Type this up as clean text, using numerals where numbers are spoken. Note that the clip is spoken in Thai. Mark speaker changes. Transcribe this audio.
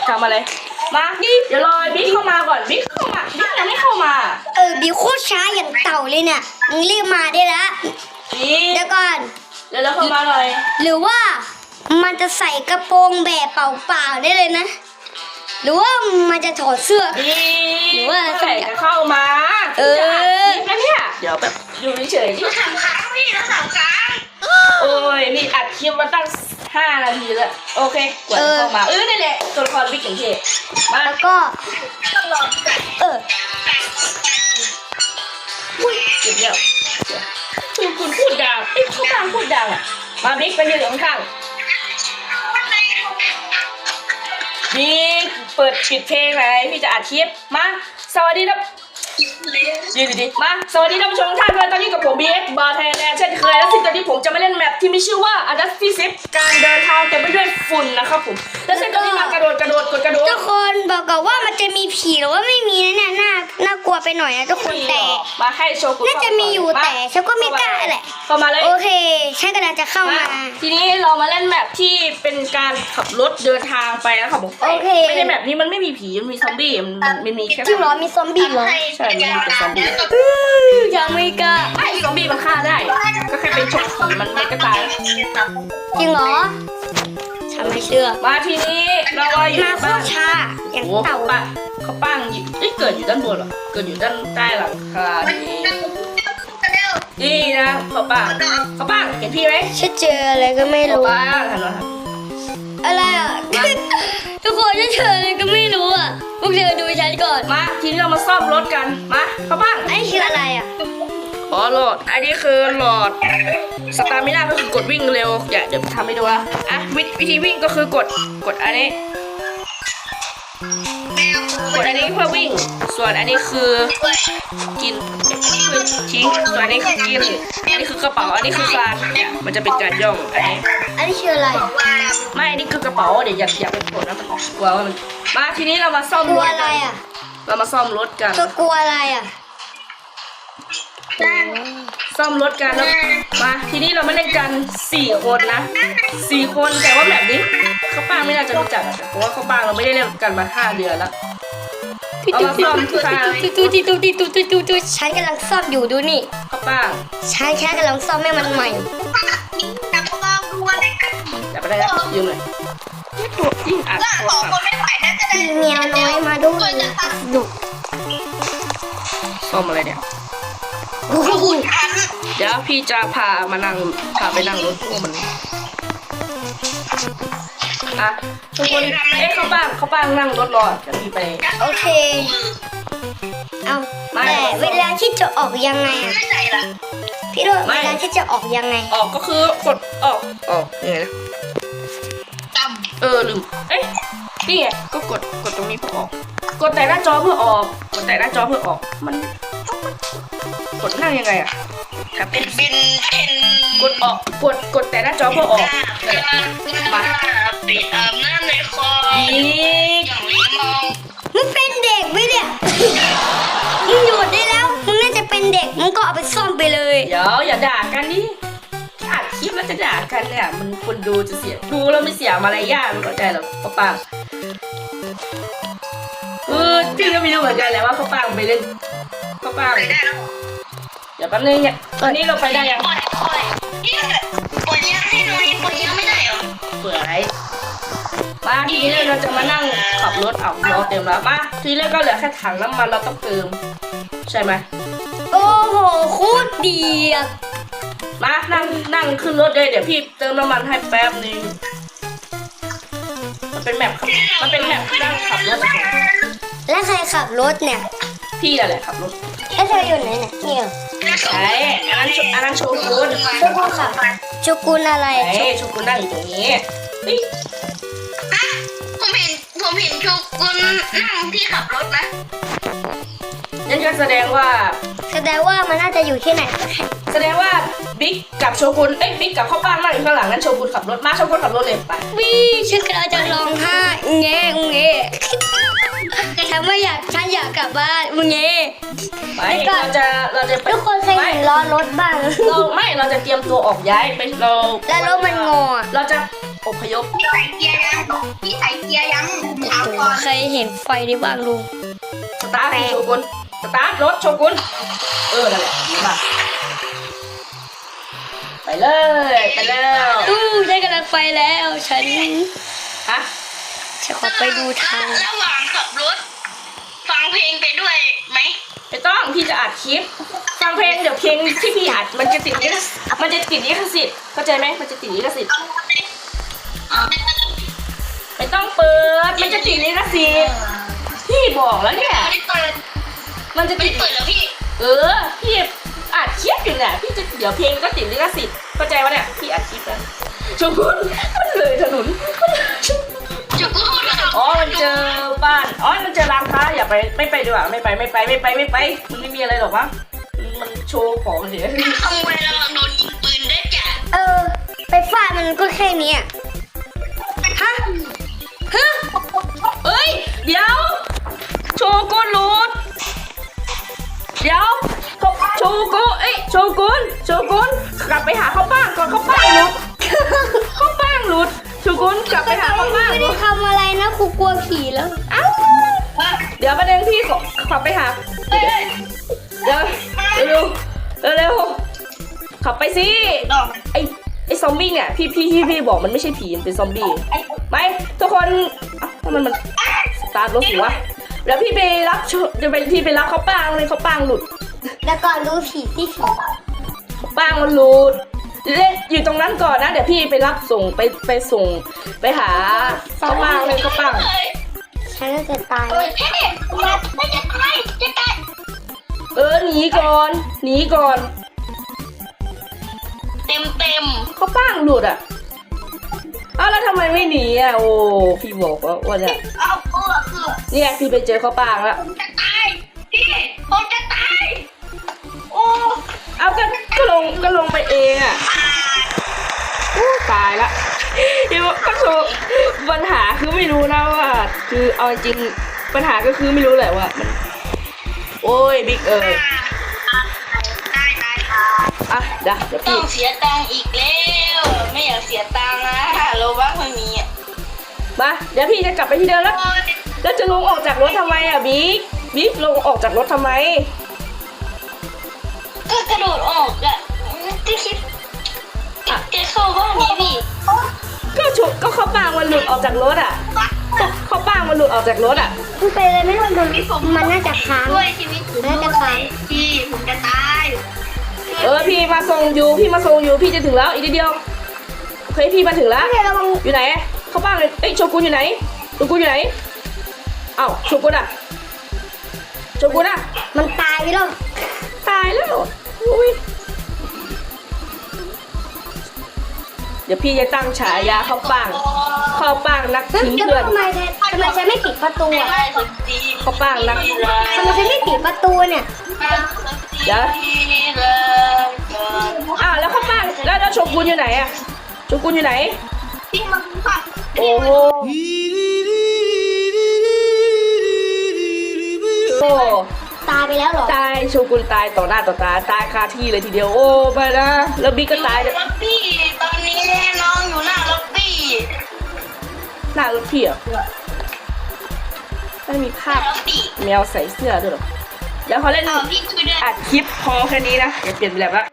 Speaker 1: ทำอะไรมานี่เดี๋ยวรอบิ๊กเข้ามาก่อนบิ๊กเข้ามาบิ๊กยังไม่เข้ามา
Speaker 2: บิวโคตรช้าอย่างเต่าเลยเนี่ยมึงรีบมาได้แล้วเดี๋ยวก่อน
Speaker 1: เดี๋ยวเราเข้ามาหน่อย
Speaker 2: หรือว่ามันจะใส่กระโปรงแบบเปล่าๆได้เลยนะหรือว่ามันจะถอดเสื้อ
Speaker 1: หรือว่าใส่จะเข้ามาแล้วเนี่ยเดี๋ยวแบบอยู่เฉยๆที่
Speaker 3: 3 ครั้งพี่แล้ว3 ครั้ง
Speaker 1: โอ้ยนี่อัดคลิปมาตั้ง5 นาทีแล้วโอเคกดเข้ามานี่แหละตัวละครบิ๊กอย่างเท่มา
Speaker 2: แล้วก็
Speaker 3: ต้องรอกัน
Speaker 1: เดี๋ยวคุณพูดดังเขาดังพูดดังอ่ะมาบิ๊กไปยืนข้างบิ๊กเปิดปิดเพลงไหนพี่จะอัดคลิปมาสวัสดีครับยืนดีๆมาสวัสดีท่านผู้ชมทุกท่านเลยตอนนี้กับผมBXบาร์ไทยแลนด์เช่นเคยแล้วสิ่งตอนนี้ผมจะมาเล่นแมปที่มีชื่อว่า Adasty Zip การเดินทางเต็มไปด้วยฝุ่นนะครับผมแล้วเส้นตอนนี้มากระโดดกระโดด
Speaker 2: ทุกคนบอกก่อนว่ามันจะมีผีหรือว่าไม่มีนะเนี่ยน่ากลัวไปหน่อยนะทุกคนแต่
Speaker 1: มาให้โชกุน
Speaker 2: น่าจะมีอยู่แต่ฉันก็ไม่กล้าแหละ
Speaker 1: เข้ามาเลย
Speaker 2: โอเคฉันกำลังจะเข้ามา
Speaker 1: ทีนี้เรามาเล่นแมปที่เป็นการขับรถเดินทางไปนะครับผม
Speaker 2: โอเค
Speaker 1: ไม่ใช่แมปนี้มันไม่มีผีมันมีซอมบี้มันมีแค่
Speaker 2: จริงเหรอมีซอมบี้เหรอ
Speaker 1: ใช่มันมีแต่ซอมบี้
Speaker 2: ยังไม่กล้า
Speaker 1: ไอ้ซอมบี้มันฆ่าได้ก็แค่เป็นฉกผีมันไม่ก็ตาย
Speaker 2: จริงเหรอฉันไม่เชื่อ
Speaker 1: มาทีนี้เราอยู่
Speaker 2: มาโคตรช้าอย่างเต่า
Speaker 1: เขาปั้งเกิดอยู่ด้านบนหรอเกิดอยู่ด้านใต้หลังคานี่นะเขาปั้งเห็นพี่ไหม
Speaker 2: ฉันเจออะไรก็ไม่รู้อะไรอ่ะทุกคนฉันเจออะไรก็ไม่รู้อ่ะพวกเธอดูฉันก่อน
Speaker 1: มาทีนี้เรามาซ่อมรถกันมาเขาปั้ง
Speaker 2: ไอ้คืออะไรอ่ะ
Speaker 1: หลอดอันนี้คือหลอดสตาร์มิน่าก็คือกดวิ่งเร็วเดี๋ยวทำให้ดูนะวิธีวิ่งก็คือกดอันนี้เพื่อวิ่งส่วนอันนี้คือกินคือทิ้งส่วนอันนี้คือกินอันนี้คือกระเป๋าอันนี้คือการเนี่ยมันจะเป็นการย่อง
Speaker 2: อันนี้คืออะไร
Speaker 1: ไม่อันนี้คือกระเป๋าเดี๋ยวอย่าไปกดนะมันกลัวว่ามันมาทีนี้เรามาซ่อมรถ
Speaker 2: อะไรอ่ะ
Speaker 1: เรามาซ่อมรถกัน
Speaker 2: กลัวอะไรอ่ะ
Speaker 1: ซ่อมรถกันแล้วมาทีนี้เรามาเล่นกัน4 คนนะ4 คนแต่ว่าแบบนี้เขาป้าไม่น่าจะรู้จักเพราะว่าเขาป้าเราไม่ได้เล่นกันมา5 เดือนแล้วเอามาซ่อม
Speaker 2: ฉันกำลังซ่อมอยู่ดูนี่
Speaker 1: เขาป้า
Speaker 2: ฉันกำลังซ่อมให้มันใหม่
Speaker 1: แต่ไปได้แล้วยืมเลยตัวยิ่งอัด
Speaker 3: 2 คนไม่ไหวน่าจะได้
Speaker 2: เมียน้อยมาด้วยดุ
Speaker 1: ซ่อมอะไรเนี่ยเดี๋ยวพี่จะพาไปนั่งรถพวกมันทุกคนเขาบ้างนั่งรถรอจะมีไป
Speaker 2: โอเคเอาแต่เวลาที่จะออกยังไงพี่โรดเวลาที่จะออกยังไง
Speaker 1: ออกก็คือกดออกยังไงนะลืมนี่ไงก็กดตรงนี้เพื่อออกกดแต่หน้าจอเพื่อออกมันกดนั่งยังไง
Speaker 3: เป็น
Speaker 1: กดออกกดแต่หน้าจอเพื่อออกมา
Speaker 3: ปิดน้ำในคอ
Speaker 2: มึงเป็นเด็กไหมเนี่ยมึงหยุดได้แล้วมึงน่าจะเป็นเด็กมึงก็เอาไปซ่อมไปเลย
Speaker 1: เดี๋ยวอย่าด่ากันดิอัดคลิปแล้วจะด่ากันเนี่ยมันคนดูจะเสียดูแล้วไม่เสียมารยาทเข้าใจหรอป้าปังพี่ก็ไม่รู้เหมือนกันแหละว่าป้าปังไปเล่นป้าปังเดี๋ยวแป๊บนึงเนี่ยตอนนี้เราไปได้ยัง
Speaker 3: ปล่อยยังให้หน่อยปล่อยยังไม่ได้เหรอ
Speaker 1: เปิดอะไรมาทีนี้เราจะมานั่งขับรถเอาล้อเต็มแล้วมาทีแรกก็เหลือแค่ถังน้ำมันเราต้องเติมใช่ไหม
Speaker 2: โอ้โหโคตรดีอ่ะ
Speaker 1: มานั่งขึ้นรถเลยเดี๋ยวพี่เติมน้ำมันให้แป๊บนึงมันเป็นแมปนั่งขับรถ
Speaker 2: แล้วใครขับรถเนี่ย
Speaker 1: พี่แหละขับรถ
Speaker 2: แล้วเธออยู่ไหนเนี่ย
Speaker 1: ใช่อันนั้นโชกุน
Speaker 2: ขับโชกุนอะไร
Speaker 1: โชกุนนั่งอยู่ตรงนี้
Speaker 3: ผมเห็นโชกุนนั่งที่ขับรถนะ
Speaker 1: นั่นก็แสดงว่า
Speaker 2: มันน่าจะอยู่ที่ไหน
Speaker 1: แสดงว่าบิ๊กกับโชกุนบิ๊กกับข้าวปั้นนั่งอยู่ข้างหลังนั้นโชกุนขับรถมาโชกุนขับรถเลยไป
Speaker 2: ฉันกำลังจะร้องไห้เงี้ยฉันอยากกลับบ้านเงี้ย
Speaker 1: เราจะ
Speaker 2: ทุกคนเคยเห็นล้อรถบ้าง
Speaker 1: เราจะเตรียมตัวออกย้ายไปแล้ว
Speaker 2: รถมันงอ
Speaker 1: เราจะอพยพ
Speaker 3: พี่ใส่เกียร์ยังพี่ใส่เกียร์ยังถามก่อน
Speaker 2: ใครเห็นไฟได้บ้างลุง
Speaker 1: สตาร์ทโชกุนสตาร์ทรถโชกุนนั่นแหละดีมากไปเลยไปแล้ว
Speaker 2: ได้กำลังไฟแล้วฉัน
Speaker 1: ฮะ
Speaker 2: จะขอไปดูทาง
Speaker 3: ระหว่างขับรถฟังเพลงไปด้วยไหม
Speaker 1: ไม่ต้องพี่จะอัดคลิปฟังเพลงเดี๋ยวเพลงที่พี่อัดมันจะติดลิขสิทธิ์เข้าใจไหมมันจะติดลิขสิทธิ์ไม่ต้องเปิดมันจะติดลิขสิทธิ์พี่บอกแล้วเนี่ย
Speaker 3: ไม่ได้เปิด
Speaker 1: มันจะ
Speaker 3: ไม่
Speaker 1: ติด
Speaker 3: ได้เปิดแล้วพี่
Speaker 1: พี่อัดคลิปอยู่เนี่ยพี่จะเดี๋ยวเพลงก็ติดลิขสิทธิ์เข้าใจวะเนี่ยพี่อัดคลิปแล้วชมพู่มันเลยถนน
Speaker 3: จุกกูพูดแล้ว
Speaker 1: อ๋อมันเจอบ้านอ๋อมันเจอร้านค้าอย่าไปไม่ไปดีกว่าไม่ไปมันไม่มีอะไรหรอกมั้งมันโชว์ของเฉย
Speaker 3: ขโมยระวังโดนยิงปืนได้จ้ะ
Speaker 2: ไปฟาดมันก็แค่นี้
Speaker 1: ฮะเอ้ยเดี๋ยวโชกุนหลุดเดี๋ยวโชกุนโชกุนกลับไปหาข้าวป้างก่อนข้าวป้างหลุดข้าวป้างหลุดโชกุนกลับไปหาข้าวป้าง
Speaker 2: ไม่
Speaker 1: หลุ
Speaker 2: ได้
Speaker 1: ด
Speaker 2: ทำอะไรนะครูกลัวผีแล้ว
Speaker 1: เอ้าเดี๋ยวประเด็นพี่ขับไปหาเดี๋ยวเร็วขับไปสิไอ้ซอมบี้เนี่ยพี่บอกมันไม่ใช่ผีมันเป็นซอมบี้ไปทุกคนทำไมมันสตาร์ทรถสิวะเดี๋ยวพี่ไปรับพี่ไปรับเขาป้างเลยเขาป้างหลุด
Speaker 2: แล้วก่อนดูผีที่ผี
Speaker 1: ป้างมันหลุดเล่นอยู่ตรงนั้นก่อนนะเดี๋ยวพี่ไปรับส่งไปส่งไปหาเขาป้างเลยเขาป้าง
Speaker 2: ฉันจะตาย
Speaker 3: เฮ้ยจะตาย
Speaker 1: หนีก่อน
Speaker 3: เต็ม
Speaker 1: เขาป้างหลุดอ่ะอ้าวแล้วทำไมไม่หนีอ่ะโอ้พี่บอกว่าเนี่ย
Speaker 3: เอาคือ
Speaker 1: เนี่ยพี่ไปเจอเขาป้างแล้ว
Speaker 3: ผมจะตายพี่ผมจะตายโอ้
Speaker 1: เอาก็ลงไปเองอ่ะตายละเดี๋ยวก็คือปัญหาคือไม่รู้นะว่าคือเอาจริงปัญหาก็คือไม่รู้แหละว่ามันโอ้ยบิ๊ก
Speaker 3: ได้
Speaker 1: อ่ะเดี๋ยว
Speaker 3: ต้
Speaker 1: พี่
Speaker 3: องเสียตังค์อีกแล้วไม่อยากเสียตังค์นะโลบ้าไม่มีอ่ะ
Speaker 1: มาเดี๋ยวพี่จะกลับไปที่เดิมแล้วจะลงออกจากรถทำไมอ่ะบิ๊กลงออกจากรถทำไม
Speaker 3: ก็กระโดดออกอ่ะที่คิดจะเข้าบ้านนี้พี่
Speaker 1: ก็เขาป้างมันหลุดออกจากรถอ่ะเขาป้างมันหลุดออกจากรถอ่ะ
Speaker 2: มันไปเลยไม่รู้มันน่าจะค้าง
Speaker 3: ด้วยชีวิตผม
Speaker 2: น่าจะค้าง
Speaker 3: พี่ผมจะตาย
Speaker 1: พี่มาส่งอยู่พี่จะถึงแล้วอีกนิดเดียวโอเคพี่มาถึงแล้ว
Speaker 2: ระวัง
Speaker 1: อยู่ไหนเขาป้างเลยโชกุนอยู่ไหนโชกุนอยู่ไหนเอ้าโชกุนอ่ะ
Speaker 2: มันตายไปแล้ว
Speaker 1: ตายแล้วอุ้ยเดี๋ยวพี่จะตั้งฉายาเขาป้างนักทิ้งเพื่อน
Speaker 2: ทำไมฉันไม่ปิดประตูอ่ะ
Speaker 1: เขาป้างนัก
Speaker 2: ทำไมฉันไม่ปิดประตูเนี่ย
Speaker 1: เดี๋ยวแล้วเขาป้างแล้วโชกุนอยู่ไหนอะโชกุนอยู่ไหน
Speaker 3: ที่มันค่ะ
Speaker 1: โอ้โห
Speaker 2: ตายไปแล้วเหรอ
Speaker 1: ตายโชกุนตายต่อหน้าต่อตาตายคาที่เลยทีเดียวโอ้ไปนะแล้วบิ๊กก็ตาย
Speaker 3: ล็อบบี้ตอนนี้น้องอยู่หน้าล็อบบี้
Speaker 1: หน้ารถพี่อ่ะไม่มีภาพ
Speaker 3: ล็อบบี้
Speaker 1: แมวใส่เสื้อด้วยหรอเดี๋ยวเขาเล่น
Speaker 3: พี่ช่วยด้วย
Speaker 1: อัดคลิปพอแค่นี้นะอย่าเปลี่ยนแบบละ